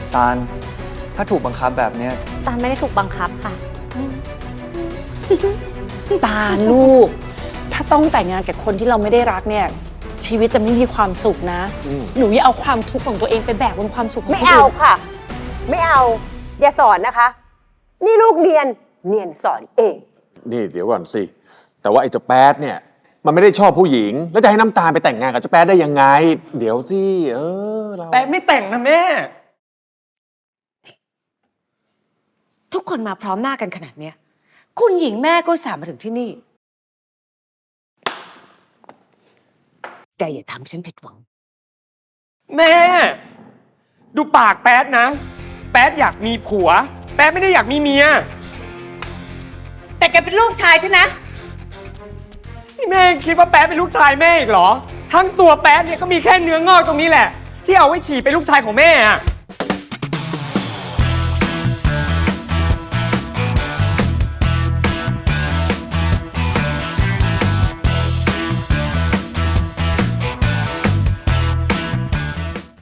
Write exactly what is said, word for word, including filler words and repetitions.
ตาลถ้าถูกบังคับแบบเนี้ยตาลไม่ได้ถูกบังคับค่ะตาลลูกถ้าต้องแต่งงานกับคนที่เราไม่ได้รักเนี่ยชีวิตจะไม่มีความสุขนะหนูอย่าเอาความทุกข์ของตัวเองไปแบกบนความสุขของคนไม่อื่นเอาค่ะ ไม่เอา อย่าสอนนะคะ นี่ลูกเนียน เนียนสอนเองนี่เดี๋ยวก่อนสิ แต่ว่าไอ้เจ้าแป๊ดเนี่ย มันไม่ได้ชอบผู้หญิง แล้วจะให้น้ำตาลไปแต่งงานกับเจ้าแป๊ดได้ยังไง เดี๋ยวสิ เออเราแต่ไม่แต่งนะแม่ทุกคนมาพร้อมหน้ากันขนาดเนี้ยคุณหญิงแม่ก็สามมาถึงที่นี่ แกอย่าทำให้ฉันผิดหวังแม่ ดูปากแป๊ดนะ แป๊ดอยากมีผัว แป๊ดไม่ได้อยากมีเมียแต่แกเป็นลูกชายฉันนะนี่แม่คิดว่าแป๊ดเป็นลูกชายแม่อีกเหรอ ทั้งตัวแป๊ดเนี่ยก็มีแค่เนื้องอกตรงนี้แหละ ที่เอาไว้ฉี่เป็นลูกชายของแม่อะ